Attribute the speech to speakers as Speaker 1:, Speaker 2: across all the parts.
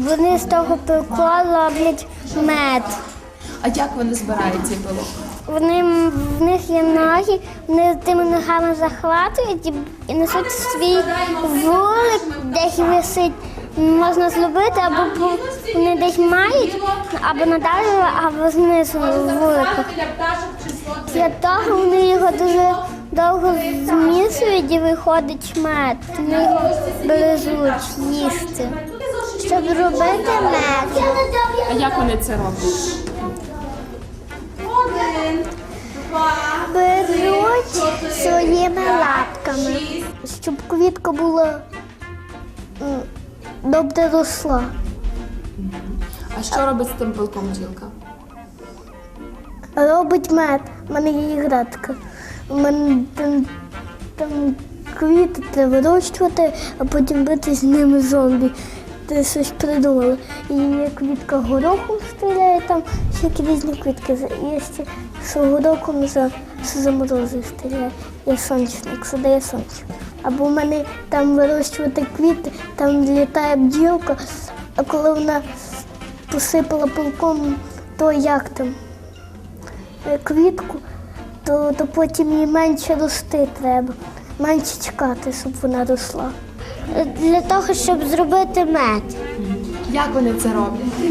Speaker 1: Вони з того пилка роблять мед.
Speaker 2: А як вони збирають цей пилок?
Speaker 1: В них є ноги, вони тими ногами захватують і несуть свій вулик, десь висить. Можна зробити, або вони десь мають, або надалі, або знизу в вуликах. Для того вони його дуже довго змішують і виходить мед. Вони його бережуть їсти. Щоб робити мед.
Speaker 2: А як вони це роблять?
Speaker 1: Беруть своїми лапками, щоб квітка була добре росла.
Speaker 2: А що робить з тим пилком бджілка?
Speaker 1: Робить мед. У мене є іграшка. У мене там квіти треба вирощувати, а потім бити з ними зомбі. Ти щось придумала. І є квітка горохом стріляє, там всякі різні квітки. Є ще, що горохом за морози стріляє. Є сонячник, що дає сонце. Або в мене там вирощувати квіти, там літає бджілка, а коли вона посипала пилком, то як там, квітку, то потім їй менше рости треба, менше чекати, щоб вона росла. Для того, щоб зробити мед.
Speaker 2: Як вони це роблять?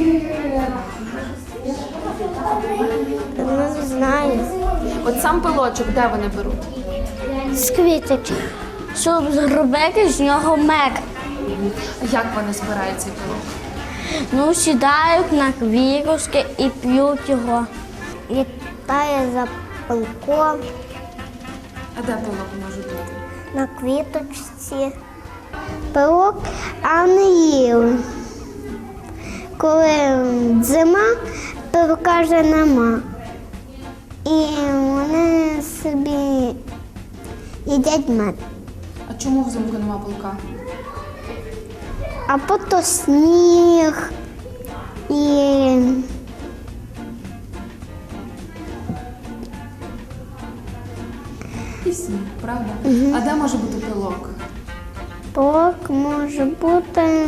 Speaker 1: Не знаю.
Speaker 2: От сам пилочок, де вони беруть?
Speaker 1: З квіточок. Щоб зробити з нього мед.
Speaker 2: А як вони збирають цей пилок?
Speaker 1: Ну, сідають на квіточки і п'ють його. Літає за пилком.
Speaker 2: А де пилок може бути?
Speaker 1: На квіточці. Пилок, а не їли. Коли зима, пилка вже нема. І вони собі їдять мед.
Speaker 2: А чому взимку нема пилка?
Speaker 1: А потім сніг і
Speaker 2: Сніг, правда? А де може бути пилок?
Speaker 1: пилок може бути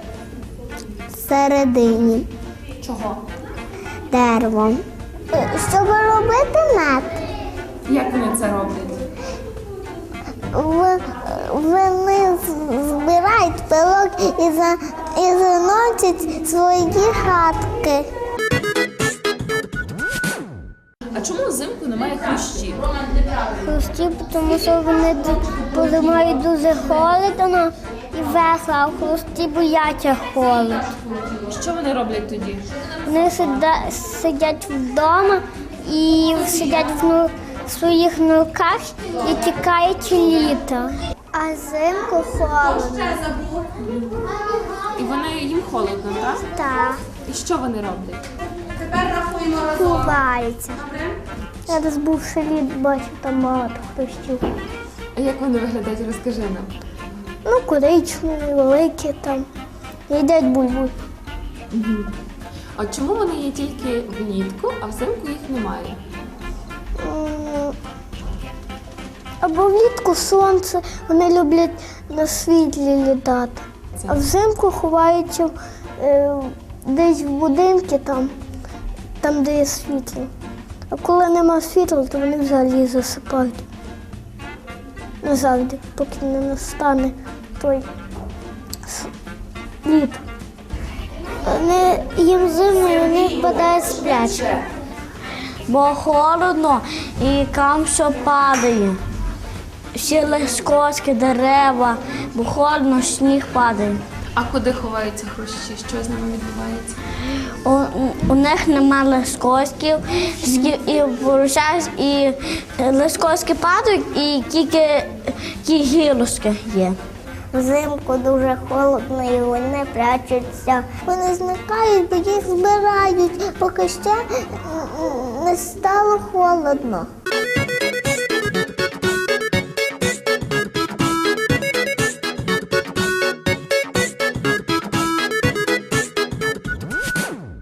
Speaker 1: всередині
Speaker 2: Чого?
Speaker 1: дерева. Щоб робити мед,
Speaker 2: Як вони це роблять?
Speaker 1: вони збирають пилок і заносять свої хатки.
Speaker 2: А чому взимку немає хрущів?
Speaker 1: Хрусті, тому що вони мають дуже холодно і весело, а хрусті бояться холоду.
Speaker 2: Що вони роблять тоді?
Speaker 1: Вони сидять вдома і сидять в своїх норках і чекають літа. А взимку холодно.
Speaker 2: І їм холодно, так?
Speaker 1: Так,
Speaker 2: І що вони роблять?
Speaker 1: ховаються. Я десь був в селі, бачив там багато хрустів.
Speaker 2: А як вони виглядають, розкажи нам.
Speaker 1: Ну, коричневі, великі там. Їдять бульбуль.
Speaker 2: А чому вони є тільки влітку, а взимку їх немає?
Speaker 1: Або влітку сонце, вони люблять на світлі літати. А взимку ховаються десь в будинки там, де є світло. А коли нема світла, то вони взагалі засипають. Не завжди, поки не настане той літо. Їм зимою вони впадають сплячки. Бо холодно і там все падає. Всі лискоски, дерева, бо холодно, сніг падає.
Speaker 2: А куди ховаються хрущі? Що з ними відбувається?
Speaker 1: У них нема лискосків, і вирушають, і лискоски падають, і тільки ті гілочки є. Взимку дуже холодно і вони прячуться. Вони зникають, бо їх збирають, поки ще не стало холодно.